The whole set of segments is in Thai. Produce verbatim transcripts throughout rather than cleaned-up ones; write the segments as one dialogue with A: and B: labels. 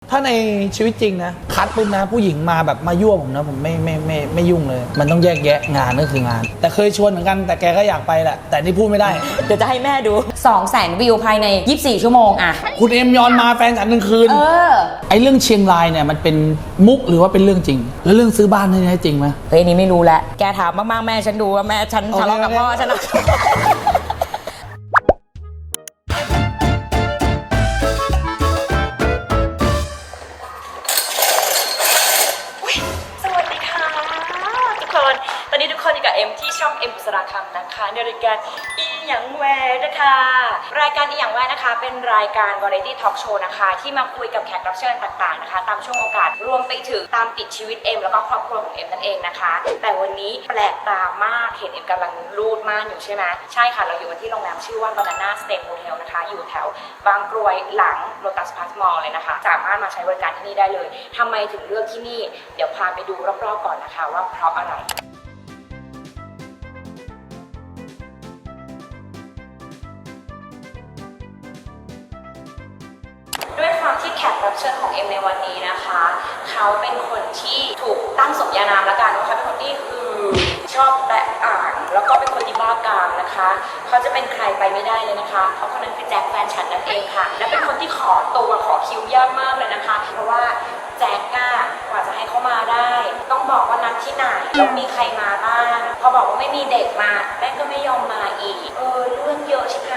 A: ถ้าในชีวิตจริงนะคัดปุ๊บนะผู้หญิงมาแบบมายั่วผมนะผมไม่ไม่ไม่ไม่ยุ่งเลยมันต้องแยกแยะงานก็คืองานแต่เคยชวนเหมือนกันแต่แกก็อยากไปแหละแต่นี่พูดไม่ได้
B: เดี๋ยวจะให้แม่ดูสองแสนวิวภายในยี่สิบสี่ชั่วโมงอะ
A: คุณเอ็มยอนมาแฟนฉันหนึ่งคืน
B: เออ
A: ไอเรื่องเชียงรายเนี่ยมันเป็นมุกหรือว่าเป็นเรื่องจริงแล้วเรื่องซื้อบ้านนี่จริงไหม
B: เฮ้ยนี่ไม่รู้แหละแกถามมากๆแม่ฉันดูว่าแม่ฉันทะเลาะกับพ่อฉันนะตอนนี้ทุกคนอยู่กับเอ็มที่ช่องเอ็มบุษราคำนะคะในรายการอีหยังแวร์นะคะรายการอีหยังแวร์นะคะเป็นรายการวาไรตี้ทอล์กโชว์นะคะที่มาคุยกับแขกรับเชิญต่างๆนะคะตามช่วงโอกาสรวมไปถึงตามติดชีวิตเอ็มแล้วก็ครอบครัวของเอ็มนั่นเองนะคะแต่วันนี้แปลกตามากเห็นเอ็มกำลังรูดม่านอยู่ใช่ไหมใช่ค่ะเราอยู่กันที่โรงแรมชื่อว่า Banana Stay Hotel นะคะอยู่แถวบางกรวยหลัง Lotus Park Mall เลยนะคะสามารถมาใช้บริการที่นี่ได้เลยทำไมถึงเลือกที่นี่เดี๋ยวพาไปดูรอบๆก่อนนะคะว่าเพราะอะไรด้วยความที่แขกรับเชิญของเอ็มในวันนี้นะคะเขาเป็นคนที่ถูกตั้งสมญานามละกันว่าเขาเป็นคนที่คือชอบแปะอ่านแล้วก็เป็นคนที่บ้ากามนะคะเขาจะเป็นใครไปไม่ได้เลยนะคะเพราะคนนั้นคือแจ็คแฟนฉันนั่นเองค่ะและเป็นคนที่ขอตัวขอคิวยากมากเลยนะคะเพราะว่าแจ็คก้ากว่าจะให้เขามาได้ต้องบอกว่านัดที่ไหนแล้วมีใครมาบ้างพอบอกว่าไม่มีเด็กมาแม่ก็ไม่ยอมมาอีกเออเรื่องเยอะใช่ไหม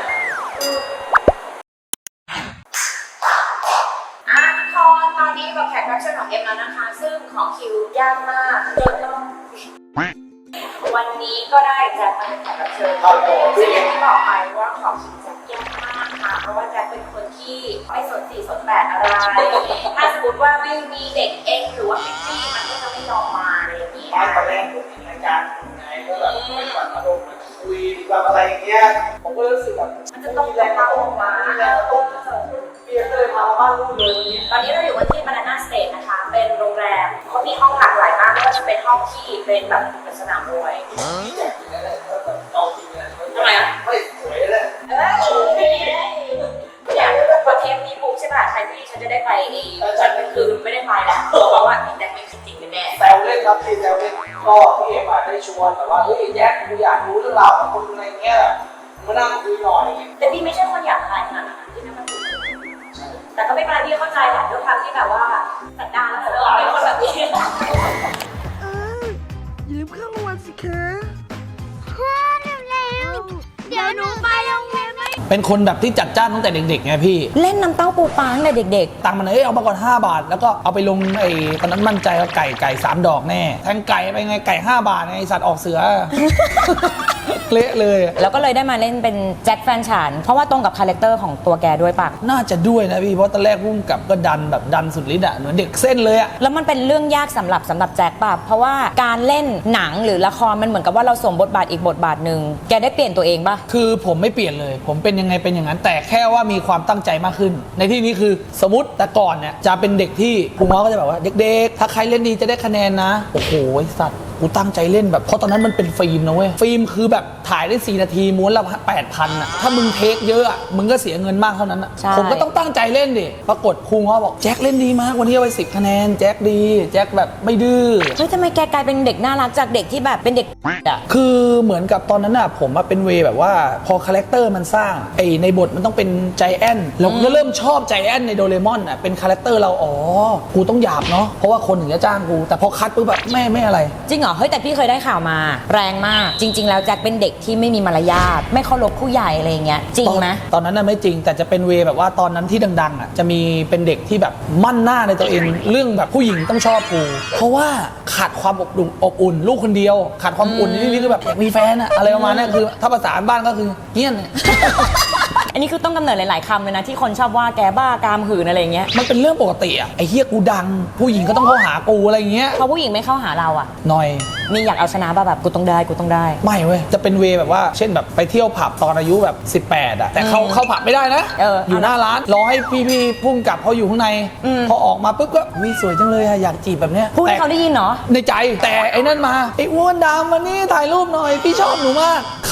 B: ตอนนี้กับแขกรับเชิญของเอ็มแล้วนะคะซึ่งของคิวยากมากจนต้องวันนี้ก็ได้แจ็คมาเป็นแขกรับเชิญซึ่งอย่างที่บอกไปว่าของคิวแจ็คยากมากค่ะเพราะว่าแจ็คเป็นคนที่ไม่สนสีสนแปดอะไรถ้าสมมติว่าไม่มีเด็กเองหรือว่าพิตตี้มันก็จะไม่ยอมมาอะไรอย่างนี้
C: ตอนแรกผมเห็นรายการไงก็แบบไม่แบบอารมณ์คุยแบบอะไรอย่างเงี้ยผมก็รู้สึกแบบ
B: มันจะต้องแรงออกมา
C: แล้วต้องเปลี่ยนเลยมาบ้านลูกเลย
B: ตอนนี้เราอยู่กันที่ Banana Stay นะคะเป็นโรงแรมเขามีห้องหลากหลายมากไม่ว่าจะเป็นห้องที่เป็นแบบสนามมวย
C: เอาจริงเลย
B: ทำไมอ่ะ
C: ไม่สวยเลย
B: เออเนี่ยพอเทปนี้ปุ๊บใช่ป่ะใครที่ฉันจะได้ไปเองฉันก็คือไม่ได้ไปแล้วเพราะว่าแจ็คไม่คิดจริงแน่
C: แซวเล่นครับพี่แซวเล่นก็พี่เอ็มได้ชวนแต่ว่าเฮ้ยแจ็คกูอยากรู้เรื่องราวของคนอะไรเงี้ยมานั่งคุยหน่อย
B: แต่พี่ไม่ใช่คนอยากขายขนาดนั้นที่นั่นมันถูกแต่ก็ไม่เป็นไรพี่เข้าใจแหละด้วยความที่แบบว่าสันดานแล้วเราเป็นคนแบบนี้
D: เอออย่าลืมเข้ารางวัลสิคะพ่อเร็วๆเดี๋ยวหนูไปโรงเรียนไม่
A: เป็นคนแบบที่จัดจ้านตั้งแต่เด็กๆไงพี่
B: เล่นน้ำเต้าปูปลาตั้งแต่เด็ก
A: ๆตังค์มันเอ้ยเอามาก่อนห้าบาทแล้วก็เอาไปลงไอ้ตอนนั้นมั่นใจว่าไก่ไก่สามดอกแน่แทงไก่ไปไงไก่ห้าบาทไงสัตว์ออกเสือเละเลย
B: แล้วก็เลยได้มาเล่นเป็นแจ็คแฟนฉันเพราะว่าตรงกับคาแรคเตอร์ของตัวแกด้วยปะ
A: น่าจะด้วยนะพี่เพราะตอนแรกพุ่งกับก็ดันแบบดันสุดฤทธิ์อะเหมือนเด็กเส้นเลยอะ
B: แล้วมันเป็นเรื่องยากสำหรับสำหรับแจ็คปะเพราะว่าการเล่นหนังหรือละครมันเหมือนกับว่าเราสวมบทบาทอีกบทบาทหนึ่งแกได้เปลี่ยนตัวเองปะ
A: คือผมไม่เปลี่ยนเลยผมเป็นยังไงเป็นอย่างนั้นแต่แค่ว่ามีความตั้งใจมากขึ้นในที่นี้คือสมมติแต่ก่อนเนี่ยจะเป็นเด็กที่ครูง้อก็จะแบบว่าเด็กๆถ้าใครเล่นดีจะได้คะแนนนะโอ้โหสัตว์กูตั้งใจเล่นแบบเพราะตอนนั้นมันเป็นฟิล์มนะเว้ยฟิล์มคือแบบถ่ายได้สี่นาทีม้วนละแปดพันอ่ะถ้ามึงเทคเยอะอ่ะมึงก็เสียเงินมากเท่านั้นอ่ะผมก็ต้องตั้งใจเล่นดิปรากฏครูง้อบอกแจ็คเล่นดีมากวันนี้เอาไปสิบคะแนนแจ็คดีแจ็คแบบไม่ดื้อ
B: เฮ้ยทำไมแกกลายเป็นเด็กน่ารักจากเด็กที่แบบเป็นเด็กอ่ะ
A: คือเหมือนกับตอนนั้นอ่ะผมมาเป็นเวแบบว่าพอคาแรคเตอร์มันสร้างไอในบทมันต้องเป็นใจแอนเราก็เริ่มชอบใจแอนในโดเรมอนอ่ะเป็นคาแรคเตอร์เราอ๋อกูต้องหยาบเนาะเพราะว่าคนถึงจะจ้างกูแต่พอคัดปุ๊บแบบแม่ไม่อะไร
B: จริงเหรอเฮ้ยแต่พี่เคยได้ข่าวมาแรงมากจริงๆแล้วแจ็คเป็นเด็กที่ไม่มีมารยาทไม่เคารพผู้ใหญ่อะไรเงี้ยจริงไหม
A: ตอนนั้นน่ะไม่จริงแต่จะเป็นเวแบบว่าตอนนั้นที่ดังๆอ่ะจะมีเป็นเด็กที่แบบมั่นหน้าในตัวเองเรื่องแบบผู้หญิงต้องชอบกูเพราะว่าขาดความอบอุ่นอบอุ่นลูกคนเดียวขาดความอุ่นนี่คือแบบอยากมีแฟนอะอะไรประมาณนั้นคือถ้าภาษาบ้านก็คือเงี้ยน
B: อันนี้คือต้องกำเนิดหลายๆคำเลยนะที่คนชอบว่าแกบ้ากามหืนอะไรเงี้ย
A: มันเป็นเรื่องปกติอะไอ้เฮียกูดังผู้หญิงก็ต้องเข้าหากูอะไรเงี้ย
B: พอผู้หญิงไม่เข้าหาเราอะ
A: หน่อย
B: มีอยากเอาชนะป่ะแบบกูต้องได้กูต้องได้
A: ไม่เว้ยจะเป็นเวแบบว่าเช่นแบบไปเที่ยวผับตอนอายุแบบสิบแปดอะแต่เขาเข้าผับไม่ได้นะอออยู่หน้าร้านรอให้พี่ๆพุ่งกลับเขาอยู่ข้างในพอออกมาปุ๊บก็วิสวยจังเลยอะอยากจีบแบบเนี้ย
B: พูดให้เขาได้ยินเนาะ
A: ในใจแต่ไอ้นั่นมาไอ้อ้วนดำมานี่ถ่ายรูปหน่อยพี่ชอบหนูมากข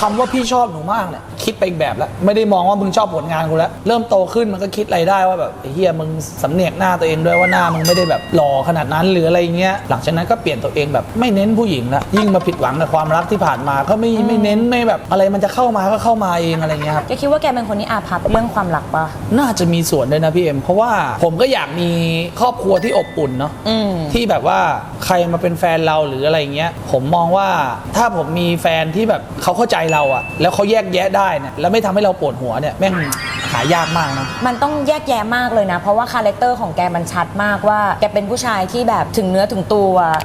A: คำว่าพี่ชอบหนูมากเนี่ยคิดไปอีกแบบแล้วไม่ได้มองว่ามึงชอบผลงานกูแล้วเริ่มโตขึ้นมันก็คิดอะไรได้ว่าแบบไอ้เฮียมึงสำเนียกหน้าตัวเองด้วยว่าหน้ามึงไม่ได้แบบหล่อขนาดนั้นหรืออะไรเงี้ยหลังจากนั้นก็เปลี่ยนตัวเองแบบไม่เน้นผู้หญิงละยิ่งมาผิดหวังกับความรักที่ผ่านมาก็ไม่ไม่เน้นไม่แบบอะไรมันจะเข้ามาก็เข้ามาเองอะไรเงี้ยครับ
B: แกคิดว่าแกเป็นคนที่อาภัพเรื่องความรักปะ
A: น่าจะมีส่วนด้วยนะพี่เอ็มเพราะว่าผมก็อยากมีครอบครัวที่อบอุ่นเนาะ
B: อืม
A: ที่แบบว่าใครมาเป็นแฟนเราหรืออะไรเงี้ยผมมองว่าถ้าผมมีแฟนที่แบบเขาเข้าใจเราอะแล้วเขาแยกแยะได้เนี่ยแล้วไม่ทำให้เราปวดหัวเนี่ยแม่งหายากมากนะ
B: มันต้องแยกแยะมากเลยนะ เพราะว่าคาแรคเตอร์ของแกมันชัดมากว่าแกเป็นผู้ชายที่แบบถึงเนื้อถึงตัว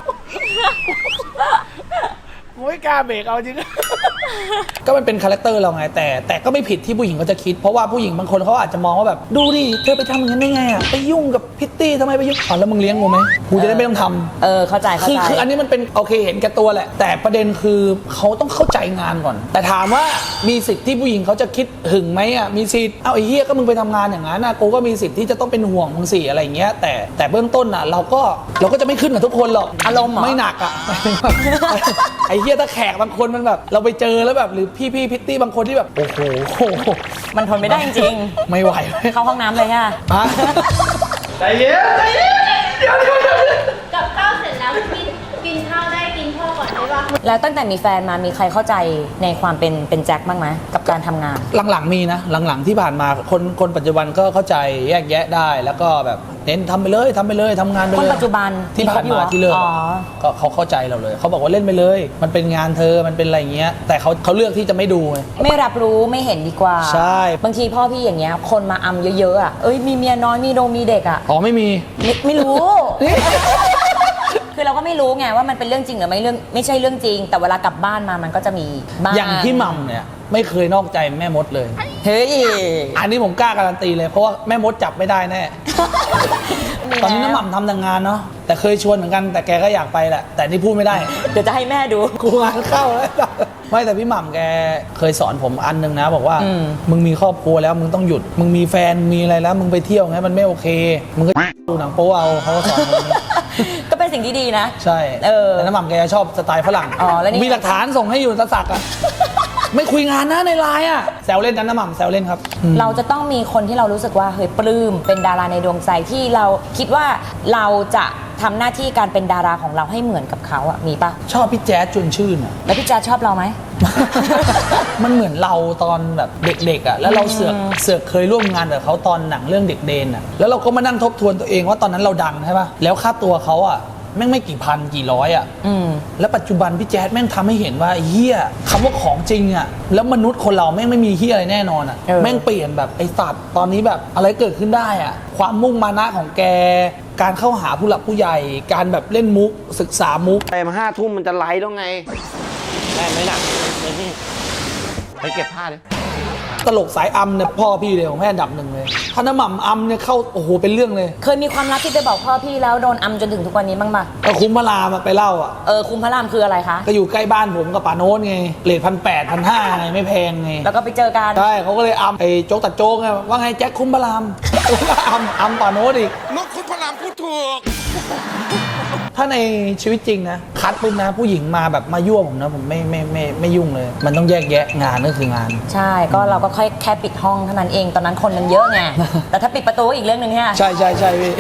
A: ไม่กล้าเบรกเอาจริง ก็มันเป็นคาแรคเตอร์เราไงแต่แต่ก็ไม่ผิดที่ผู้หญิงเขาจะคิดเพราะว่าผู้หญิงบางคนเขาอาจจะมองว่าแบบดูดิเธอไปทำอย่างนั้นได้ไงอ่ะไปยุ่งกับพิตตี้ทำไมไปยุ่งอ๋อแล้วมึงเลี้ยงกูไหมกูจะได้ไม่ต้องทำ
B: เออเข้าใจเข้า
A: คือ
B: ใจ
A: คืออันนี้มันเป็นโอเคเห็นแก่ตัวแหละ แต่ประเด็นคือเขาต้องเข้าใจงานก่อน แต่ถามว่ามีสิทธิ์ที่ผู้หญิงเขาจะคิดหึงไหมอ่ะมีสิทธิ์เอาไอ้เหี้ยก็มึงไปทำงานอย่างนั้นนะกูก็มีสิทธิ์ที่จะต้องเป็นห่วงมึงสิอะไรอย่างเงี้ยแต่แต่เบื้องต้นอ่ะเราก็เราก็จะไม่ขึ้นกับทุกคนหรอก
B: อารมณ์เหรอ
A: ไม่หนักอ่ะ ไอ้เหี้ยถ้าแขกบางคนมันแบบเราไปเจอแล้วแบบหรือพี่พี่พิตตี้บางคนที่แบบโอ้โห
B: มันทนไม่ได้จริง
A: ไม่ไหว
B: ๆเข้าห้องน้ำเลยค่ะ
A: ฮะ
C: ใจเย็นใจเย็นเดี๋ยวเดี๋ยวเดี๋ยว
D: กับข้าวเสร็จแล้วกินกินข้าวได้กินพ่อก่อนได้ปะ
B: แล้วตั้งแต่มีแฟนมามีใครเข้าใจในความเป็นเป็นแจ็คบ้างไหมกับการทำงาน
A: หลังๆมีนะหลังๆที่ผ่านมาคนคนปัจจุบันก็เข้าใจแยกแยะได้ แล้วก็แบบเน้นทำไปเลยทำไปเลยทำงานไปเลย
B: คนปัจจุบัน
A: ที่ผ่าน
B: มีครบอยู่
A: มา
B: เหรอ
A: ที่เลิก
B: อ๋อ
A: ก็เขาเข้าใจเราเลยเขาบอกว่าเล่นไปเลย มันเป็นงานเธอมันเป็นอะไรเงี้ยแต่เขาเขาเลือกที่จะไม่ดูไง
B: ไม่รับรู้ไม่เห็นดีกว่า
A: ใช่
B: บางทีพ่อพี่อย่างเงี้ยคนมาอำเยอะๆอ่ะเอ้ยมีเมียน้อยมีโดงมีเด็กอ่ะ
A: อ๋อไม่มี
B: ไม่ไม่รู้ คือเราก็ไม่รู้ไงว่ามันเป็นเรื่องจริงหรือไม่เรื่องไม่ใช่เรื่องจริง แต่เวลากลับบ้านมามันก็จะมีบ้าง
A: อย่างพี่หม่ำเนี่ยไม่เคยนอกใจแม่มดเลย
B: เฮ้ย
A: อันนี้ผมกล้าการันตีเลยเพราะว่าแม่มดจับไม่ได้แน่ ตอนนี้น้ำหม่ำทำแต่งานเนาะแต่เคยชวนเหมือนกันแต่แกก็อยากไปแหละแต่นี่พูดไม่ได้
B: เดี๋ยวจะให้แม่ดู
A: กูงานเข้าแล้วไม่แต่พี่หม่ำแกเคยสอนผมอันหนึงนะ บอกว่า
B: อืม
A: มึงมีครอบครัวแล้วมึงต้องหยุด มึงมีแฟนมีอะไรแล้ว มึงไปเที่ยวไงมันไม่โอเค มึงก็ดูหนังโป๊เอาเขาก็สอนผมอย่างนี้
B: ก็เป็นสิ่งที่ดีนะ
A: ใช่
B: เออ
A: แต่น้ำหม่ำแกชอบสไตล์ฝรั่ง
B: อ๋อแล้วนี่
A: มีหลักฐานส่งให้อยู่ตะสักอ่ะ ไม่คุยงานนะในไลน์อ่ะแซวเล่นนะน้ำหม่ำแซวเล่นครับอืม
B: เราจะต้องมีคนที่เรารู้สึกว่าเฮ้ยปลื้มเป็นดาราในดวงใจที่เราคิดว่าเราจะทำหน้าที่การเป็นดาราของเราให้เหมือนกับเขาอะมีปะ
A: ชอบพี่แจ๊ดชวนชื่นอ่ะ
B: แล้วพี่แจ๊ดชอบเราไหม
A: มันเหมือนเราตอนแบบเด็กๆอ่ะแล้วเราเสือกเสือกเคยร่วมงานกับเขาตอนหนังเรื่องเด็กเดนอ่ะแล้วเราก็มานั่งทบทวนตัวเองว่าตอนนั้นเราดังใช่ป่ะแล้วค่าตัวเขาอ่ะแม่งไม่กี่พันกี่ร้อยอ่ะ
B: อืม
A: แล้วปัจจุบันพี่แจ๊ดแม่งทำให้เห็นว่าไอ้เฮียคำว่าของจริงอ่ะแล้วมนุษย์คนเราแม่งไม่มีเฮียอะไรแน่นอนอ่ะ
B: เออ
A: แม่งเปลี่ยนแบบไอ้สัตว์ตอนนี้แบบอะไรเกิดขึ้นได้อ่ะความมุ่งมานะของแก การเข้าหาผู้หลักผู้ใหญ่ การแบบเล่นมุกศึกษามุก
C: ไปมาห้าทุ่มมันจะไลฟ์แล้วไงแม่ไม่หนักไปเก็บผ้าดิ
A: ตลกสายอัมเนี่ยพ่อพี่เลยของแม่อันดับหนึ่งเลยถ้าน้ำหม่ำอัมเนี่ยเข้าโอ้โหเป็นเรื่องเลย
B: เคยมีความลับที่ไปบอกพ่อพี่แล้วโดนอำจนถึงทุกวันนี้บ้างปะ
A: ก็คุ้มพระรามอะไปเล่าอ่ะ
B: เออคุมพระรามคืออะไรคะ
A: ก็อยู่ใกล้บ้านผมกับป่าโน้ตไงเลทพันแปดพันห้าไงไม่แพงไง
B: แล้วก็ไปเจอกัน
A: ใช่เขาก็เลยอัมไอ้โจ๊กตัดโจ๊กไงว่าไงแจ็คคุ้มพระราม อัมอัมป่าโน้ตอีก
E: นกคุณพระรามพูดถูก
A: ถ้าในชีวิตจริงนะคัดปุ๊บนะผู้หญิงมาแบบมายั่วผมนะผมไม่ไม่ไม่ไม่ยุ่งเลย มันต้องแยกแยะงานก็คืองาน
B: ใช่ก็เราก็ค่อยแค่ปิดห้องเท่านั้นเองตอนนั้นคนมันเยอะไง แต่ถ้าปิดประตูก็อีกเรื่องหนึ่งเนี่ย
A: ใช่ใช่ใช่พี่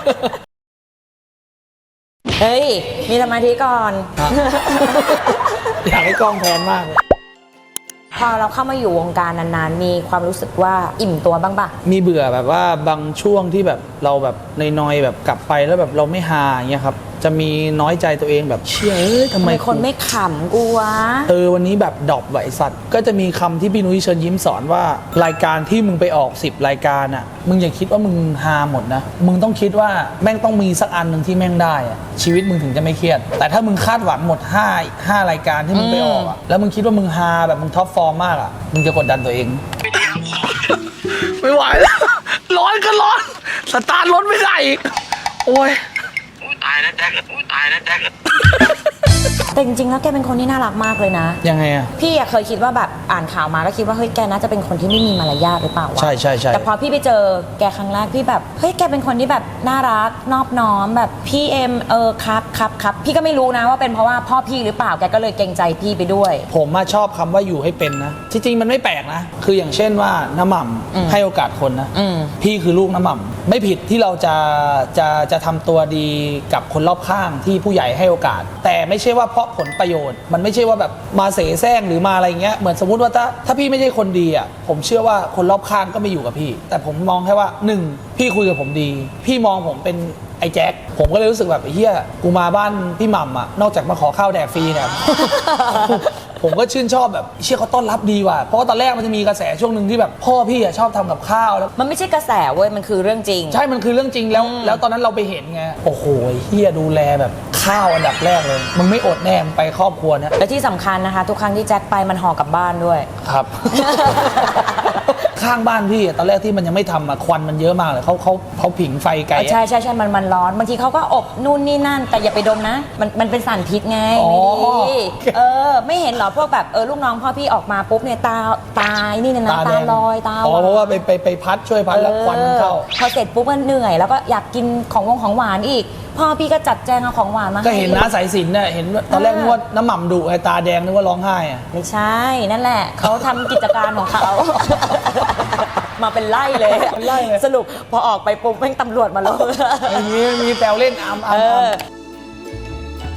B: เฮ้ย มีสมาธิก่อน
A: อยากให้กล้องแพนมากเลย
B: พอเราเข้ามาอยู่วงการนานๆ มีความรู้สึกว่าอิ่มตัวบ้างปะ
A: มีเบื่อแบบว่าบางช่วงที่แบบเราแบบนอยๆแบบกลับไปแล้วแบบเราไม่ฮาอย่างเงี้ยครับจะมีน้อยใจตัวเองแบบเชื่อเอ้ยทำ
B: ทำ
A: ไม
B: ไมคนไม่ขำกูวะ
A: เออวันนี้แบบดรอปไหวสัตว์ก็จะมีคำที่พี่นุ้ยเชิญยิ้มสอนว่ารายการที่มึงไปออกสิบรายการอ่ะมึงอย่าคิดว่ามึงฮาหมดนะมึงต้องคิดว่าแม่งต้องมีสักอันหนึ่งที่แม่งได้อะชีวิตมึงถึงจะไม่เครียด แต่ถ้ามึงคาดหวังหมดห้า ห้ารายการที่มึงไปออกอ่ะแล้วมึงคิดว่ามึงฮาแบบมึงท็อปฟอร์มมากอ่ะมึงจะกดดันตัวเอง ไม่ไหวแล้วร้อนก็ร้อนสตาร์ทรถไม่ได้อีกโอ้ย
F: ตายแล้วแจ็คอุ้ยตายแล้วแจ็ค
B: แต่จริงๆแล้วแกเป็นคนที่น่ารักมากเลยนะ
A: ยังไงอะ
B: พี่อะเคยคิดว่าแบบอ่านข่าวมาก็คิดว่าเฮ้ยแกน่าจะเป็นคนที่ไม่มีมารยาทหรือเปล่าวะ
A: ใช่ใช่ใช่
B: แต่พอพี่ไปเจอแกครั้งแรกพี่แบบเฮ้ยแกเป็นคนที่แบบน่ารักนอบน้อมแบบพี่เอ็มเออครับครับครับพี่ก็ไม่รู้นะว่าเป็นเพราะว่าพ่อพี่หรือเปล่าแกก็เลยเกรงใจพี่ไปด้วย
A: ผมมาชอบคำว่าอยู่ให้เป็นนะที่จริงมันไม่แปลกนะ คืออย่างเช่นว่าน้ำหม่
B: อืม
A: ำให้โอกาสคนนะ
B: อืม
A: พี่คือลูกน้ำหม่ำไม่ผิดที่เราจะจะจะทำตัวดีกับคนรอบข้างที่ผู้ใหญ่ให้โอกาส แต่ไม่ใช่ว่าเพราะผลประโยชน์ มันไม่ใช่ว่าแบบมาเสแสร้งหรือมาอะไรเงี้ยเหมือนสมมุติว่าถ้าถ้าพี่ไม่ใช่คนดีอ่ะผมเชื่อว่าคนรอบข้างก็ไม่อยู่กับพี่ แต่ผมมองแค่ว่าหนึ่งพี่คุยกับผมดี พี่มองผมเป็นไอ้แจ็คผมก็เลยรู้สึกแบบไอ้เหี้ยกูมาบ้านพี่หม่ำอ่ะนอกจากมาขอข้าวแดกฟรีเนี่ย ผมก็ชื่นชอบแบบเชี่ยเขาต้อนรับดีว่ะเพราะว่าตอนแรกมันจะมีกระแสช่วงหนึ่งที่แบบพ่อพี่อ่ะชอบทำกับข้าวแล้ว
B: มันไม่ใช่กระแสเว้ยมันคือเรื่องจริง
A: ใช่มันคือเรื่องจริงแล้ว แล้วตอนนั้นเราไปเห็นไงโอ้โหเฮียดูแลแบบข้าวอันดับแรกเลยมึงไม่อดแน่มึงไปครอบครัวเนี่ย
B: และที่สำคัญนะคะ ทุกครั้งที่แจ็คไปมันห่อกลับบ้านด้วย
A: ครับ ข้างบ้านพี่อะตอนแรกที่มันยังไม่ทำอะควันมันเยอะมากเลยเขาเขาเขาผิงไฟไกล
B: ใช่ใช่ใช่มันมันร้อนบางทีเขาก็อบนู่นนี่นั่น แต่อย่าไปดมนะ มันมันเป็นสารพิษไง
A: อ๋อ
B: ไม่ดีเออ ไม่เห็นเหรอพวกแบบเออลูกน้องพ่อพี่ออกมาปุ๊บเนี่ยตาตายนี่นะนะ
A: แด
B: ตาง ลอยตา
A: อ๋อเพราะว่าไปไปไปพัดช่วยพัดแล้วควันมันเข้า
B: ออพอเสร็จปุ๊บมันเหนื่อย แล้วก็อยากกินของวงของหวานอีก พ่อพี่ก็จัดแจงเอาของหวานมา
A: ก็เห็น
B: ให้
A: น้าสายสิญจน์เนี่ยเห็นว่าตอนแรกนึกว่าน้ำหม่ำดุไอ้ตาแดงนึกว่าร้องไห้อะ
B: ไม่ใช่นั่นแหละเขาทำกิจการของเขา มาเป็นไล่เลย
A: เป็นไล่เลย
B: สรุปพอออกไปปุ๊บแม่งตำรวจมาแล้ว
A: ไม่มีไม่มีแซวเล่นอามอา
B: เอ
A: มอาม
B: อ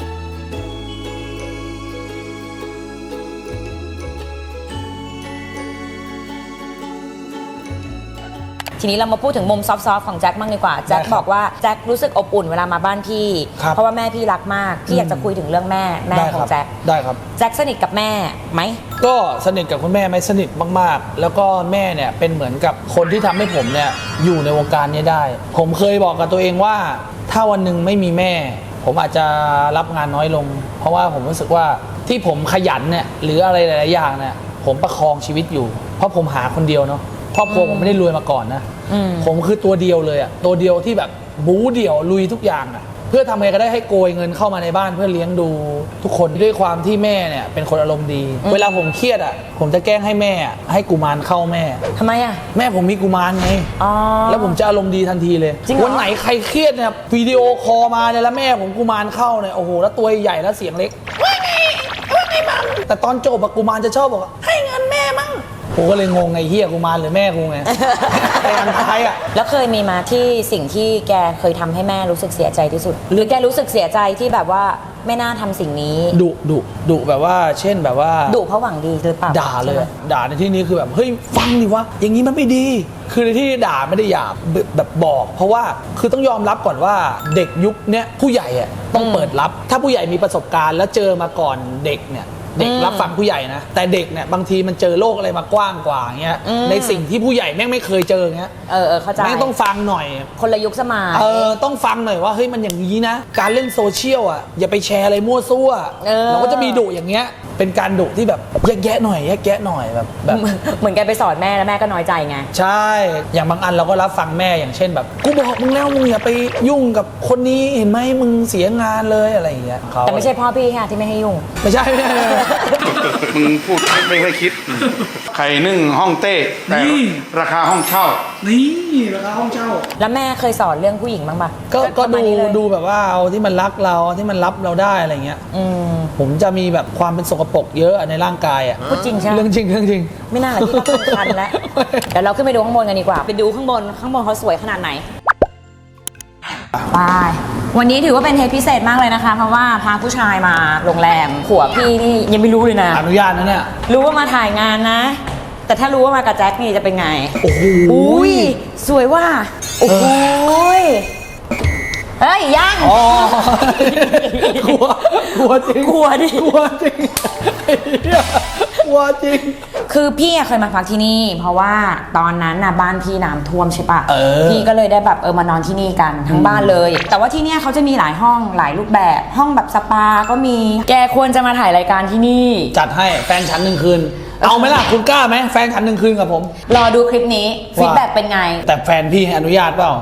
B: ทีนี้เรามาพูดถึงมุมซอฟต์ๆของแจ็คบ้างดีกว่าแจ็คบอกว่าแจ็ครู้สึกอบอุ่นเวลามาบ้านพี่
A: ครับ
B: เพราะว่าแม่พี่รักมากพี่อยากจะคุยถึงเรื่องแม่แม่
A: ได้
B: ข
A: ค
B: อ
A: รั
B: งแจ็ค
A: ได้ครับ
B: แจ็คสนิทกับแม่ไหม
A: ก็สนิทกับคุณแม่ไหมสนิทมากๆ แล้วก็แม่เนี่ยเป็นเหมือนกับคนที่ทำให้ผมเนี่ยอยู่ในวงการนี้ได้ ผมเคยบอกกับตัวเองว่าถ้าวันหนึ่งไม่มีแม่ ผมอาจจะรับงานน้อยลง เพราะว่าผมรู้สึกว่าที่ผมขยันเนี่ยหรืออะไรหลายๆอย่างเนี่ยผมประคองชีวิตอยู่ เพราะผมหาคนเดียวเนาะครอบครัวผมไม่ได้รวยมาก่อนนะ
B: อืม
A: ผมคือตัวเดียวเลยอะตัวเดียวที่แบบบู๊เดี่ยวลุยทุกอย่างอะเพื่อทำไงก็ได้ให้โกยเงินเข้ามาในบ้านเพื่อเลี้ยงดูทุกคนด้วยความที่แม่เนี่ยเป็นคนอารมณ์ดี เวลาผมเครียดอะผมจะแกล้งให้แม่อะให้กุมารเข้าแม่
B: ทำไมอ่ะ
A: แม่ผมมีกุมารไง
B: อ๋อ
A: แล้วผมจะอารมณ์ดีทันทีเลย
B: จริงเหรอ
A: วันไหนใครเครียดเนี่ยวิดีโอคอลมาเนี่ยแล้วแม่ผมกุมารเข้าเนี่ยโอ้โหแล้วตัวใหญ่แล้วเสียงเล็กว่าไงว่าไงมังแต่ตอนจบอะกุมารจะชอบบอกว่าให้เงินแม่มั่งผมก็เลยงงไงเฮียกุมารหรือแม่กูไง แต่อันท้ายอะ
B: แล้วเคยมีมาที่สิ่งที่แกเคยทำให้แม่รู้สึกเสียใจที่สุด หรือแกรู้สึกเสียใจที่แบบว่าไม่น่าทำสิ่งนี้
A: ดุดุดุแบบว่าเช่นแบบว่า
B: ดุเพราะหวังดีหรือเปล่า
A: ด่าเลย
B: ใช่ไหม
A: ด่าในที่นี้คือแบบเฮ้ยฟังดิวะอย่างนี้มันไม่ดี คือในที่ด่าไม่ได้หยาบแบบแบบบอก เพราะว่าคือต้องยอมรับก่อนว่าเด็กยุคเนี้ยผู้ใหญ่อะต้องเปิดรับ ถ้าผู้ใหญ่มีประสบการณ์แล้วเจอมาก่อนเด็กเนี่ยเด็กรับฟังผู้ใหญ่นะแต่เด็กเนี่ยบางทีมันเจอโลกอะไรมากว้างกว่าเงี้ยในสิ่งที่ผู้ใหญ่แม่งไม่เคยเจอเงี้ย
B: เออเออเข้าใจ
A: แม่งต้องฟังหน่อย
B: คนละยุคสมัย
A: เออต้องฟังหน่อยว่าเฮ้ยมันอย่างนี้นะ การเล่นโซเชียลอ่ะอย่าไปแชร์อะไรมั่วซั่ว
B: เออ
A: เราก็จะมีดุอย่างเงี้ยเป็นการดุที่แบบแยกแยะหน่อยแยกแยะหน่อยแบบแบบ
B: เหมือนเหมือนแกไปสอนแม่แล้วแม่ก็น้อยใจไง
A: ใช่ อย่างบางอันเราก็รับฟังแม่อย่างเช่นแบบกูบอกมึงแล้วมึงอย่าไปยุ่งกับคนนี้เห็นไหมมึงเสียงานเลยอะไรอย่างเงี้ยเขา
B: แต่ไม่ใช่พ่อพี่ค่ะที่ไม่ให้ยุ่ง
A: ไม่ใช่ไม่ใช่ไม่ใช่
E: มึงพูดไม่ค่อยคิด ไข่นึ่งห้องเต้แต่
A: นี่
E: ราคาห้องเช่า
A: นี่ราคาห้องเช่า
B: แล้วแม่เคยสอนเรื่องผู้หญิงบ้างปะ
A: ก็ก็
B: ประมา
A: ดู
B: ณนี้เลย
A: ดูแบบว่าเอาที่มันรักเราที่มันรับเราได้อะไรเงี้ย
B: อืม
A: ผมจะมีแบบความเป็นสกปรกเยอะในร่างกายอ่ะ
B: พูดจริงใช่ไหม
A: เรื่องจริงเรื่องจริง
B: ไม่น่าหละที่ต้องคันแล้ว เดี๋ยวเราขึ้นไปดูข้างบนกันดีกว่า ไปดูข้างบน ข้างบนเขาสวยขนาดไหน ไป วันนี้ถือว่าเป็นเทปพิเศษมากเลยนะคะ เพราะว่าพาผู้ชายมาโรงแรมผัวพี่นี่ยังไม่รู้เลยนะ
A: อนุญาตนะเนี่ย
B: รู้ว่ามาถ่ายงานนะ แต่ถ้ารู้ว่ามากับแจ็คนี่จะเป็นไง
A: โอ้โห
B: อุ้ยสวยว่า โอ้โหยเฮ้ยยัง
A: อ๋อกลัวกลัวจริง
B: กลัวดิ
A: กลัวจริงไอ้เหี้ยกลัวจริง
B: คือพี่อะเคยมาพักที่นี่ เพราะว่าตอนนั้นน่ะบ้านพี่น้ำท่วมใช่ปะ
A: เออ
B: พี่ก็เลยได้แบบเออมานอนที่นี่กันทั้งบ้านเลย แต่ว่าที่เนี่ยเขาจะมีหลายห้องหลายรูปแบบห้องแบบสปาก็มีแกควรจะมาถ่ายรายการที่นี่
A: จัดให้แฟนฉันหนึ่งคืน เอาไหมล่ะคุณกล้าไหมแฟนฉันหนึ่งคืนกับผม
B: รอดูคลิปนี้ฟีดแบ็กเป็นไง
A: แต่แฟนพี่ให้อนุญาตเปล่า เพ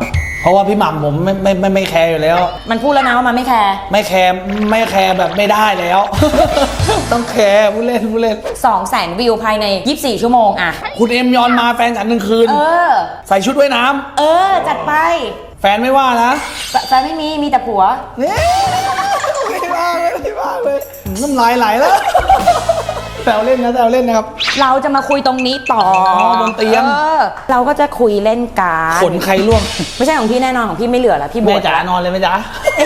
A: ราะว่าพี่หม่ำผมไม่ไม่ไม่ไม่แคร์อยู่แล้ว
B: มันพูดแล้วนะว่ามันไม่แคร์
A: ไม่แคร์ไม่แคร์แบบไม่ได้แล้ว ต้องแคร์ผู้เล่นผู้เล่น
B: สองแสนวิวภายในยี่สิบสี่ชั่วโมงอะ
A: คุณเอ็มยอนมาแฟนฉันหนึ่งคืน
B: เออ
A: ใส่ชุดว่ายน้ำ
B: เออ จัดไป
A: แฟนไม่ว่านะ
B: แฟแฟนไม่มี มีแต่ผัว
A: เนี่ยไม่ว่าเลยไม่ว่าเลยน้ำลายไหลแล้วแซวเล่นนะแซวเล่นนะครับ
B: เราจะมาคุยตรงนี้ต่อ
A: อ๋อบนเตียง
B: ออเราก็จะคุยเล่นการ
A: ขนใครร่วง
B: ไม่ใช่ของพี่แน่นอนของพี่ไม่เหลือแล้วพี่บ
A: แม่
B: วช
A: จ๋านอนเลยไหมจ๊ะ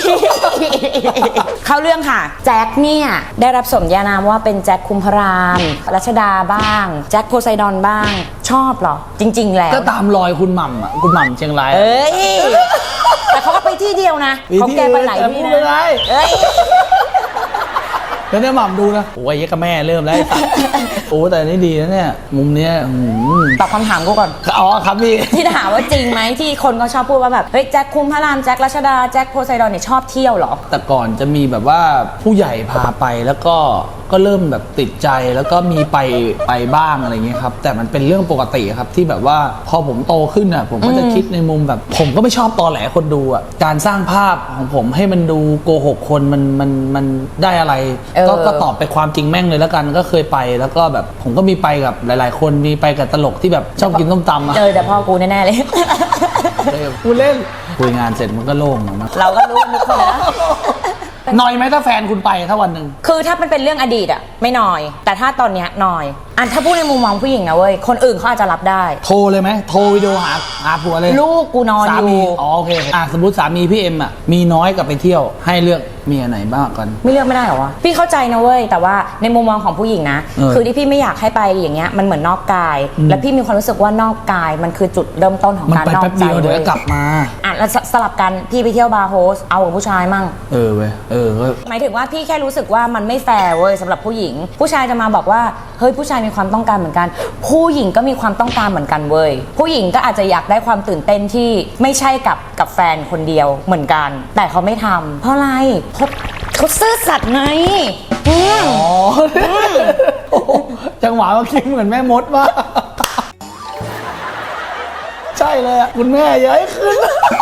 B: เข้าเรื่องค่ะ แจ็คเนี่ยได้รับสมญานามว่าเป็นแจ็คคุมพรามรัชดาบ้าง แจ็คโพไซดอนบ้าง ชอบเหรอ จริง ๆ แล้ว
A: ก็ตามรอยคุณหม่ำอ่ะคุณหม่ำเชียงรายอะ
B: เอ้ย แต่เขาก็ไปที่เดียวนะ
A: มี
B: เขา
A: ที่
B: แกไปหลาย
A: อื่น
B: ที่
A: แต่พูดไม่ได้
B: นะเอ้ย
A: แล้วเนี่ยหม่ำดูนะโอ้ยยักกับแม่เริ่มแล้วไอ้สัตว์โอ้แต่นี่ดีนะเนี่ยมุมเนี้ยอืม
B: ตอบคำถามกูก่อน
A: อ๋อครับพี่
B: ที่ถามว่าจริงไหมที่คนก็ชอบพูดว่าแบบเฮ้ยแจ็คคุมพระรามแจ็ครัชดาแจ็คโพไซดอนเนี่ยชอบเที่ยวเหรอ
A: แต่ก่อนจะมีแบบว่าผู้ใหญ่พาไปแล้วก็ก็เริ่มแบบติดใจแล้วก็มีไปไปบ้างอะไรเงี้ยครับแต่มันเป็นเรื่องปกติครับที่แบบว่าพอผมโตขึ้นอ่ะผมก็จะคิดในมุมแบบ ผมก็ไม่ชอบตอแหลคนดูอ่ะการสร้างภาพของผมให้มันดูโกหกคนมันมันมันได้อะไร
B: เออ
A: ก็ก็ตอบไปความจริงแม่งเลยแล้วกันก็เคยไปแล้วก็แบบผมก็มีไปกับหลาย ๆ คนมีไปกับตลกที่แบบชอบกินส้มตำอ่ะ
B: เจอแต่พ่อกูแน่ๆเลย
A: กูเล่นคุยงานเสร็จมันก็โล่งนะ
B: เราก็รู้ทุกคนนะ
A: หน่อยไหมถ้าแฟนคุณไปถ้าวันหนึ่ง
B: คือถ้ามันเป็นเรื่องอดีตอะไม่น้อย แต่ถ้าตอนเนี้ยน้อยอันถ้าพูดในมุมมองผู้หญิงนะเว้ยคนอื่นเขาอาจจะรับได้
A: โทรเลยไหมโทรวิดีโอหาหาผัวเลย
B: ลูกกูนอน
A: สา
B: อยู่
A: มีอ๋อโอเคอ่ะสมมติสามีพี่เอ็มอ่ะมีน้อยกับไปเที่ยวให้เลือกเมียไหนบ้างกัน
B: ไม่เลือกไม่ได้เหรอวะพี่เข้าใจนะเว้ยแต่ว่าในมุมมองของผู้หญิงนะ
A: เออ
B: คือที่พี่ไม่อยากให้ไปอย่างเงี้ยมันเหมือนนอกกาย
A: อืม
B: แล้วพี่มีความรู้สึกว่านอกกายมันคือจุดเริ่มต้นของ
A: มัน
B: การ
A: ไป
B: นอก
A: แป๊บ
B: ใจ
A: เดียวเดี๋ยว
B: เว้
A: ก็
B: ย
A: กลับมา
B: อ่ะแล้วสสลับกันพี่ไปเที่ยวบาร์โฮสเอากับผู้ชายมั่ง
A: เออเว้ยเออก็
B: หมายถึงว่าพี่แค่รู้สึกว่ามันไม่แฟร์เว้ยสำหรับผู้หญิง ผู้ชายจะมาบอกว่าเฮ้ยผู้ชายมีความต้องการเหมือนกัน ผู้หญิงก็มีความต้องการเหมือนกันเว้ยผู้หญิงก็อาจจะอยากได้ความตื่นเต้นที่ไม่ใช่กับกับแฟนคนเดียวเหมือนกัน แต่เขาไม่ทำเพราะอะไรเขาเขาซื่อสัตย์ไงอืม
A: อ๋อโอ้โหจังหวะเมื่อกี้เหมือนแม่มดว่ากใช่เลยอ่ะคุณแม่อย่าให้ขึ้น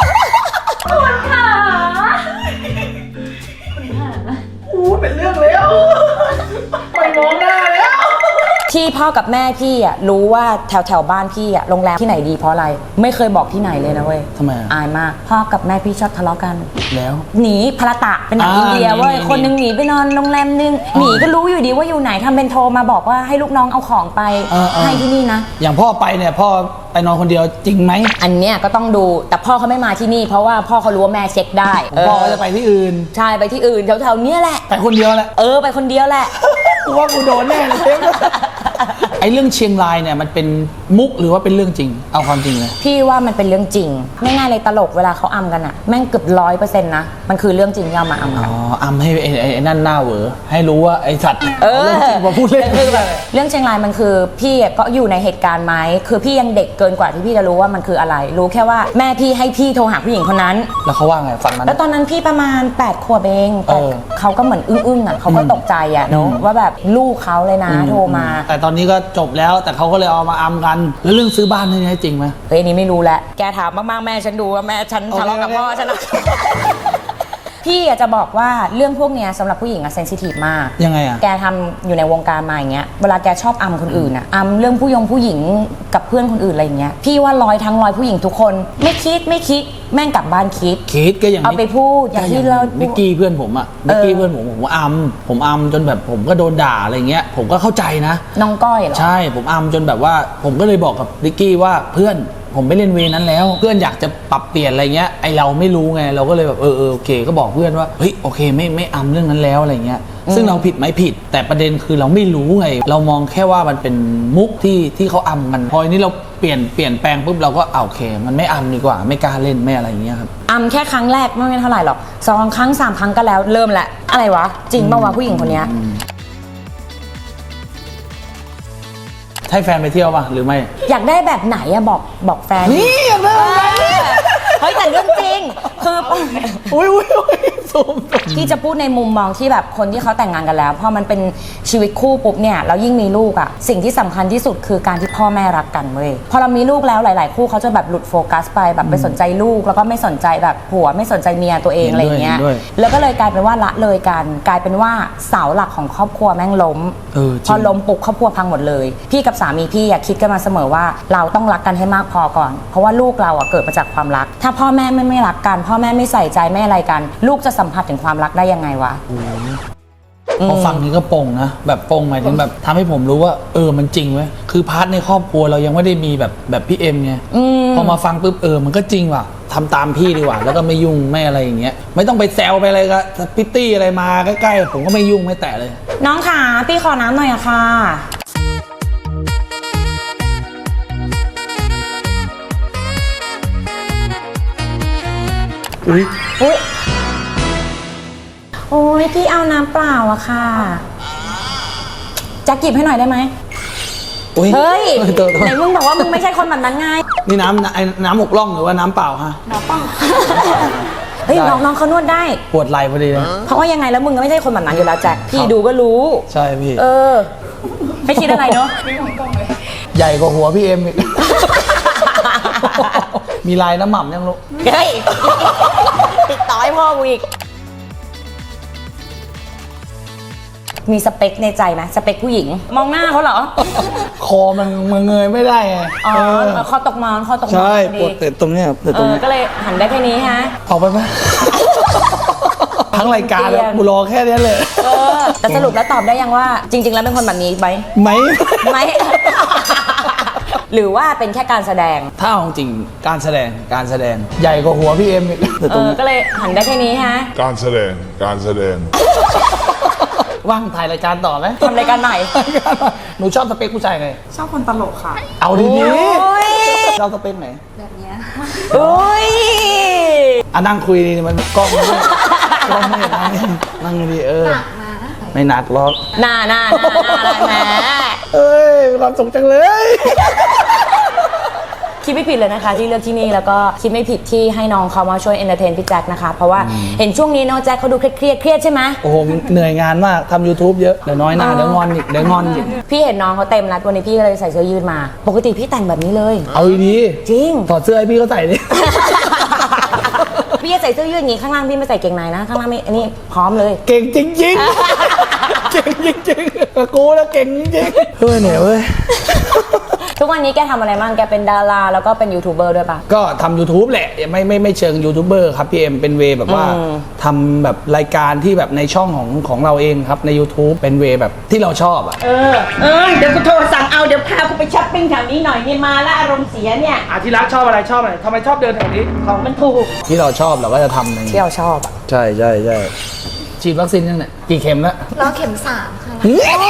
A: โอ้เป็นเรื่องแล้วไปมองหน้าแล้ว
B: ที่พ่อกับแม่พี่อ่ะรู้ว่าแถวแถวบ้านพี่อ่ะโรงแรมที่ไหนดีเพราะอะไร ไม่เคยบอกที่ไหนเลยนะเว้ย
A: ทำไมอ่ะ
B: อายมากพ่อกับแม่พี่ชอบทะเลาะกัน
A: แล้ว
B: หนีพระตะเป็นหนัง
A: อ่า
B: อินเดียเว้ย
A: หนี
B: คนหนึงหนีไปนอนโรงแรมนึงหนีก็รู้อยู่ดีว่าอยู่ไหนทำเป็นโทรมาบอกว่าให้ลูกน้องเอาของไป
A: เออเออ
B: ให้ที่นี่นะ
A: อย่างพ่อไปเนี่ยพ่อไปนอนคนเดียวจริงไหม
B: อันเนี้ยก็ต้องดูแต่พ่อเขาไม่มาที่นี่ เพราะว่าพ่อเขารู้ว่าแม่เช็คได้
A: พ่อก็จะไปที่อื่น
B: ใช่ไปที่อื่นแถวๆเนี้ยแหละ
A: ไปคนเดียวแหละ
B: เออไปคนเดียวแหละ
A: กูว่ากูโดนแน่เลยเทป ไอ้เรื่องเชียงรายเนี่ยมันเป็นมุกหรือว่าเป็นเรื่องจริง เอาความจริงเลย
B: พี่ว่ามันเป็นเรื่องจริงง่ายๆเลยตลกเวลาเขาอำกันอะแม่งเกือบร้อยเปอร์เซ็นต์นะมันคือเรื่องจริงที่เอามาอำ
A: อ๋
B: กั
A: อน อำให้ไอ้ไอ้ไอ้นั่นหน้าเหวอให้รู้ว่าไอ้สัตว์
B: เออ
A: เรื่องจริงมาพูดเล่น
B: คือแบบเรื่องเชียงรายมันคือพี่อะก็อยู่ในเหตุการณ์ไหมคือพี่ยังเด็กเกินกว่าที่พี่จะรู้ว่ามันคืออะไร รู้แค่ว่าแม่พี่ให้พี่โทรหาผู้หญิงคนนั้น
A: แล้วเขาว่าไงฟังมัน
B: แล้วตอนนั้นพี่ประมาณแปดขวบเองแต่
A: เออ
B: เขาก็เหมือนอึ้งๆอ่ะเขาก็ตกใจอ่ะเนอะ
A: อืม
B: ว่าแบบลูกเขาเลยนะโทรมา
A: แต่ตอนนี้ก็จบแล้วแต่เขาก็เลยเอามาอำกัน แล้วเรื่องซื้อบ้านนี่จริงไหม
B: เฮ้ยอันนี้ไม่รู้แหละแกถามมากๆแม่ฉันดูว่าแม่ฉัน
A: โอเค
B: ทะเลาะกับ
A: โอเค
B: พ่อฉันนะ พี่อะจะบอกว่าเรื่องพวกเนี้ยสำหรับผู้หญิงอะเซนซิทีฟมาก
A: ยังไงอ่ะ
B: แกทำอยู่ในวงการมาอย่างเงี้ย เวลาแกชอบอำคนอื่นอะอำเรื่องผู้ยงผู้หญิงกับเพื่อนคนอื่นอะไรอย่างเงี้ย พี่ว่าร้อยทั้งร้อยผู้หญิงทุกคน ไม่คิดไม่คิดแม่งกลับบ้านคิด
A: คิดก็อย่าง
B: เอาไปพูดอย่างที่เรา
A: นิกกี้เพื่อนผมอ่ะนิกกี้เพื่อนผมผมอำผมอำจนแบบผมก็โดนด่าอะไรเงี้ย ผมก็เข้าใจนะ
B: น้องก้อยเหรอ
A: ใช่ผมอำจนแบบว่า ผมก็เลยบอกกับนิกกี้ว่าเพื่อนผมไม่เล่นเวรนั้นแล้ว เพื่อนอยากจะปรับเปลี่ยนอะไรเงี้ยไอเราไม่รู้ไงเราก็เลยแบบเออเออโอเคก็บอกเพื่อนว่าเฮ้ยโอเคไม่ไม่อำเรื่องนั้นแล้วอะไรเงี้ยซึ่งเราผิดไหมผิด แต่ประเด็นคือเราไม่รู้ไง เรามองแค่ว่ามันเป็นมุกที่ที่เขาอำกันพออันนี้เราเปลี่ยนเปลี่ยนแปลงปุ๊บเราก็เอาโอเค มันไม่อำดีกว่าไม่กล้าเล่นไม่อะไรอย่างเงี้ยครับ
B: อำแค่ครั้งแรกไม่เท่าไหร่หรอกสองครั้งสามครั้งก็แล้วเริ่มแหละอะไรวะจริงป่าวะผู้หญิงคนเนี้ย
A: ให้แฟนไปเที่ยวป่ะหรือไม่
B: อยากได้แบบไหนอะบอกบอกแฟน
A: นี่อยากได้อะไร
B: เฮ้ยแต่เรื่องจริงคือ
A: อุ้ยอุ้ยอุ้ยซูม
B: ที่จะพูดในมุมมองที่แบบคนที่เขาแต่งงานกันแล้วพอมันเป็นชีวิตคู่ปุ๊บเนี่ยแล้วยิ่งมีลูกอ่ะสิ่งที่สำคัญที่สุดคือการที่พ่อแม่รักกันเว้ยพอเรามีลูกแล้วหลาย ๆ คู่เขาจะแบบหลุดโฟกัสไปแบบไปสนใจลูกแล้วก็ไม่สนใจแบบผัวไม่สนใจเมียตัวเองอะไรอย่างเงี้ยแล้วก็เลยกลายเป็นว่าละเลยกันกลายเป็นว่าเสาหลักของครอบครัวแม่งล้ม
A: เออ
B: พอล้มปุ๊บครอบครัวพังหมดเลยพี่กับสามีพี่อะคิดกันมาเสมอว่าเราต้องรักกันให้มากพอก่อนเพราะว่าลูกเราอะเกิดมาจากความรักถ้าพ่อแม่ไม่ไม่รักกันพ่อแม่ไม่ใส่ใจไม่อะไรกัน ลูกจะสัมผัสถึงความรักได้ยังไงวะ
A: พอฟังนี้ก็ปงนะแบบปงหมายถึงแบบทำให้ผมรู้ว่าเออมันจริงเว้ยคือพาร์ทในครอบครัวเรายังไม่ได้มีแบบแบบพี่เอ็มไงพอมาฟังปุ๊บเออมันก็จริงว่ะทำตามพี่ดีกว่าแล้วก็ไม่ยุ่งไม่อะไรอย่างเงี้ยไม่ต้องไปแซวไปอะไรก็พิตตี้อะไรมาใกล้ๆผมก็ไม่ยุ่งไม่แตะเลย
B: น้องขาพี่ขอน้ำหน่อยอะค่ะ
A: อุ้ย
B: อุ๊ยโอ้ยพี่เอาน้ำเปล่าอะค่ะจะกิบให้หน่อยได้ไหม
A: อุ้ย
B: เฮ้ย
A: ตัวตัว
B: ไหนมึงบอกว่ามึงไม่ใช่คนแบบนั้นไง
A: นี่น้ำไอ้น้ำหมกล่องหรือว่าน้ำเปล่าฮะ
B: เฮ้ยน้องน้องเขานวดได้
A: ปวดไหล่พอดีเลย
B: เพราะว่ายังไงแล้วมึงก็ไม่ใช่คนแบบนั้นอยู่แล้วแจ็คพี่ดูก็รู้
A: ใช่พี่
B: เออ ไม่คิดอะไรเนาะ
A: ใหญ่กว่าหัวพี่เอ็มอีก มีลายน้ำหม่ำยังลูก
B: เฮ้ยติดต่อให้พ่อกูอีกมีสเปคในใจไหมสเปคผู้หญิง มองหน้าเขาเหรอ
A: คอมันมันเงยไม่ได้ไง
B: อ๋อ
A: เออ
B: คอตกมอนคอตกมอน
A: ใช่
B: พอ
A: ป
B: ดี
A: วดเตะตรงเนี้ยเตะ
B: เอ
A: ตรง
B: อ
A: เนี้ย
B: ก็เลยหันได้แค่นี้ฮะ
A: ออกไปไหม ทั้งรายการแล้วกูรอแค่เนี้ยเลย
B: เออแต่สรุปแล้วตอบได้ยังว่า จริง ๆ แล้วเป็นคนแบบนี้ไหม
A: ไหม
B: ไหม หรือว่าเป็นแค่การแสดง
A: ถ้าเอาจริงการแสดงการแสดงใหญ่กว่าหัวพี่เอ็มอีกเตะ
B: เอ
A: ตรง
B: อ
A: เนี้ย
B: ก็เลยหันได้แค่นี้ฮะ
F: การแสดง การแสดง
A: ว่างถ่ายรายการต่อไหม
B: ทำรายการใหม่
A: หนูชอบสเปคผู้ชายไง
D: ชอบคนตลกค่ะ
A: เอาดี
B: โอ้ย
A: ๆชอบสเปคไหน
B: โอ้ย
A: อ่ะนั่งคุยดีมันกล้องไม่ได้กล้องไม่เห็นนั่งนี่นั่งดีเออไม่หนักหรอก
B: หน้าหน้าหน้าหน้าอะไรแหม
A: เอ้ยมีความสุขจังเลย
B: คิดไม่ผิดเลยนะคะที่เลือกที่นี่แล้วก็คิดไม่ผิดที่ให้น้องเขามาช่วยเอนเตอร์เทนพี่แจ็คนะคะเพราะว่าเห็นช่วงนี้น้องแจ็คเขาดูเครียดๆเครียดใช่ไหม
A: โอ้โหเหนื่อยงานมากทำ YouTube เยอะเดี๋ยวน้อยหน้าเดี๋ยวงอนอีกเดี๋ยวงอนอีก
B: พี่เห็นน้องเขาเต็มแล้ววันนี้พี่ก็เลยใส่เสื้อยืดมา ปกติพี่แต่งแบบนี้เลย
A: เอาดี
B: จริง
A: ๆถอดเสื้อให้พี่เขาใส่ดิ
B: พี่จะใส่เสื้อยืดอย่างงี้ข้างล่างพี่ไม่ใส่เกงในนะข้างล่างไม่อันนี้พร้อมเลย
A: เก่งจริงๆ เก่งจริงๆกับกูแล้วเก่งจริงๆเฮ้ยเหนื่อยเว้ย
B: ทุกวันนี้แกทำอะไรบ้างแกเป็นดาราแล้วก็เป็นยูทูบเบอร์ด้วยปะ
A: ก็ทำ YouTube แหละไม่ไม่ไม่เชิงยูทูบเบอร์ครับพี่เอ็มเป็นเวย์แบบว่า
B: อืม
A: ทำแบบรายการที่แบบในช่องของของเราเองครับใน YouTube เป็นเวย์แบบที่เราชอบอ่ะ
G: เออ เออ เดี๋ยวกูโทรสั่งเอา เดี๋ยวพากูไปช้อปปิ้งแถวนี้หน่อยเนี่ยมาแล้วอารมณ์เสียเนี่ย
A: อาทิรักชอบอะไรชอบอะไรทำไมชอบเดินแถวนี้
G: ของมันถูก
A: ที่เราชอบเราก็จะทำอย่างนี้
B: ที่เราชอบอะ
A: ใช่ใช่ใช่ฉีดวัคซีนยังเนี่ยกี่เข็มแล้ว
D: รอเข็มสามค่ะ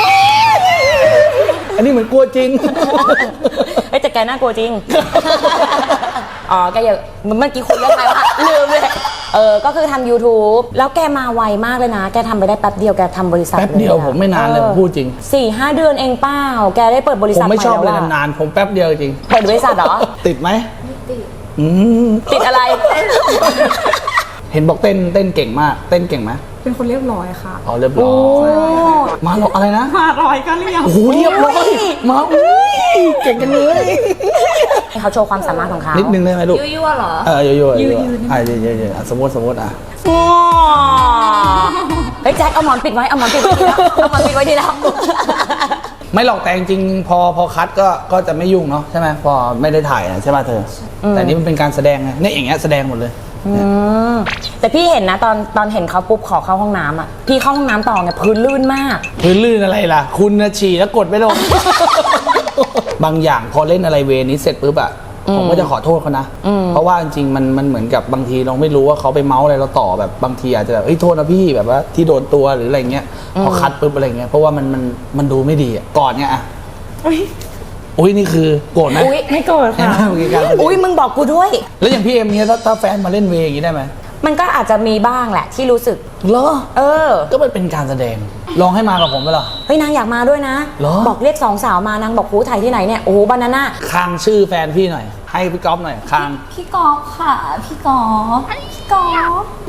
A: อันนี้เหมือนกลัวจริง
B: เอ้ยแต่แกน่ากลัวจริง อ๋อแกอย่าเมื่อกี้คุยเรื่องอะไรวะลืมเลยเออก็คือทำ YouTube แล้วแกมาไวมากเลยนะ แกทำไปได้แป๊บเดียวแกทำบริษัท
A: แป๊บเดียว
B: ลอะ
A: ผมไม่นานเลย
B: ออ
A: ผมพูดจริง
B: สี่ห้าเดือนเองเปล่าแกได้เปิดบริ
A: ผ
B: ษัท
A: มไม่ชอบ
B: ให
A: เลย
B: แล้วะ
A: นานๆผมแป๊บเดียวจริง
B: เปิดบริษัทเหรอ
A: ติดไหมติดอืม
B: ติดอะไร
A: เห็นบอกเต้นเต้นเก่งมาก เต้นเก่งไหม
D: เป็นคนเรียบร้อยค่ะ
A: อ๋อเรียบร้อยมาหรออะไรนะ
D: มารอยก็เรียบ
A: โอ้โหเรียบร้อยมาอุ้ยเก่งกันเลย
B: ให้เขาโชว์ความสามารถของเขา
A: นิดนึงได้ไหมลูก
D: ยั่วๆเหรอ
A: เออโยโย่โยโย่อ่ะเยอะเยอะสมมติสมมติอ่ะ
B: อ๋อเฮ้ยแจ็คเอาหมอนปิดไว้เอาหมอนปิดไว้ดีแล้วเอาหมอนปิดไว้ดีแล้ว
A: ไม่หรอกแต่จริงๆพอพอคัดก็ก็จะไม่ยุ่งเนาะใช่ไหมพอไม่ได้ถ่ายนะใช่ป่ะเธอ แต่นี่มันเป็นการแสดงไงเนี่ยอย่างเงี้ยแสดงหมดเลย
B: อืมแต่พี่เห็นนะตอนตอนเห็นเขาปุ๊บขอเข้าห้องน้ำอ่ะพี่เข้าห้องน้ำต่อเนี่ยพื้นลื่นมาก
A: พื้นลื่นอะไรล่ะ คุณนะฉี่แล้วกดไม่ลง บางอย่างพอเล่นอะไรเวรนี้เสร็จปุ๊บอะผมก็จะขอโทษเขานะ เพราะว่าจริงๆมันมันเหมือนกับบางทีเราไม่รู้ว่าเขาไปเมาส์อะไรเราต่อแบบบางทีอาจจะแบบเฮ้ยโทษนะพี่แบบว่าที่โดนตัวหรืออะไรเงี้ยพอคัดปุ๊บอะไรเงี้ยเพราะว่ามันมันมันดูไม่ดีอะก่อนเนี่ยอะอุ้ยนี่คือโกรธไหม
B: อุ้ยไม่โกรธค่ะ
A: เห็นไหมเมื่อกี้การแสดง
B: อุ้ยมึงบอกกูด้วย
A: แล้วอย่างพี่เอ็มเนี่ยถ้าถ้าแฟนมาเล่นเวรอย่างนี้ได้ไหม
B: มันก็อาจจะมีบ้างแหละที่รู้สึก
A: เหรอ
B: เออ
A: ก็มันเป็นการแสดงลองให้มากับผมไปหรอ
B: เฮ้ยนางอยากมาด้วยนะ
A: เหรอ
B: บอกเรียกสองสาวมานางบอกหูถ่ายที่ไหนเนี่ยโอ้โหบานาน่า
A: คางชื่อแฟนพี่หน่อย ให้พี่ก๊อฟหน่อยคาง
D: พี่กอล์ฟค่ะ พี่กอล์ฟพี่กอล์ฟพี่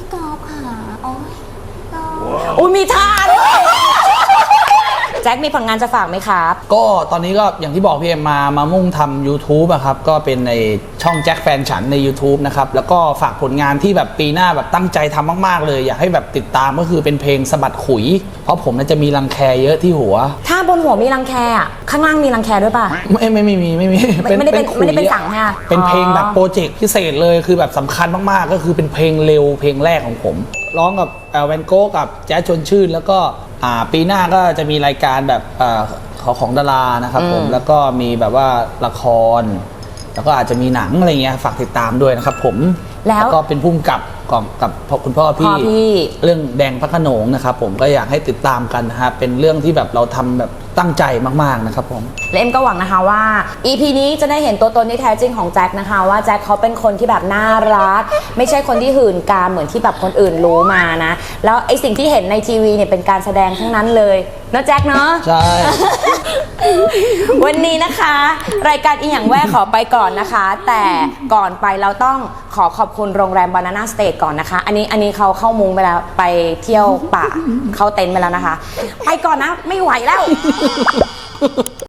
B: กอล์ฟค่ะโอ้ยอุ้ยมีท่าด้วยแจ็คมีผลงานจะฝากไหมครับ
A: ก็ตอนนี้ก็อย่างที่บอกพี่เอ็มมามามุ่งทำ YouTube อะครับก็เป็นในช่องแจ็คแฟนฉันใน YouTube นะครับแล้วก็ฝากผลงานที่แบบปีหน้าแบบตั้งใจทำมากๆเลยอยากให้แบบติดตามก็คือเป็นเพลงสะบัดขุย เพราะผมน่าจะมีรังแคเยอะที่หัว
B: ถ้าบนหัวมีรังแคอ่ะข้างล่างมีรังแคด้วยป่ะ
A: ไม่ไม่ไม่มีไม่มี
B: ไม่ไม่ได้เป็น
A: ขุย
B: ไม่ได้เป็นสั่งค่ะ
A: เป็นเพลง
B: อ๋อ
A: แบบโปรเจกต์พิเศษเลยคือแบบสำคัญมากๆก็คือเป็นเพลงเร็วเพลงแรกของผมร้องกับแอลแวนโก้กับแจ๊สชวนชื่นแล้วก็อ่าปีหน้าก็จะมีรายการแบบอ่าของของดารานะครับผมแล้วก็มีแบบว่าละคร แล้วก็อาจจะมีหนังอะไรเงี้ยฝากติดตามด้วยนะครับผม
B: แล้ว
A: ก็เป็นผู้กำกับกับกับคุณพ่อ
B: พ่อ
A: พี่
B: พี่
A: เรื่องแดงพระโขนงนะครับผมก็อยากให้ติดตามกันนะฮะเป็นเรื่องที่แบบเราทำแบบตั้งใจมากๆนะครับผม
B: และเอ็มก็หวังนะคะว่า อี พี นี้จะได้เห็นตัวตนที่แท้จริงของแจ็คนะคะว่าแจ็คเขาเป็นคนที่แบบน่ารัก ไม่ใช่คนที่หื่นกามเหมือนที่แบบคนอื่นรู้มานะแล้วไอสิ่งที่เห็นในทีวีเนี่ยเป็นการแสดงทั้งนั้นเลยเนอะแจ็คเนาะ
A: ใช่
B: วันนี้นะคะ รายการอีหยังแว่ขอไปก่อนนะคะ แต่ก่อนไปเราต้องขอขอบคุณโรงแรม Banana State ก่อนนะคะ อันนี้อันนี้เขาเข้ามุ้งไปแล้วไปเที่ยวป่าเข้าเต็นท์ไปแล้วนะคะ ไปก่อนนะไม่ไหวแล้ว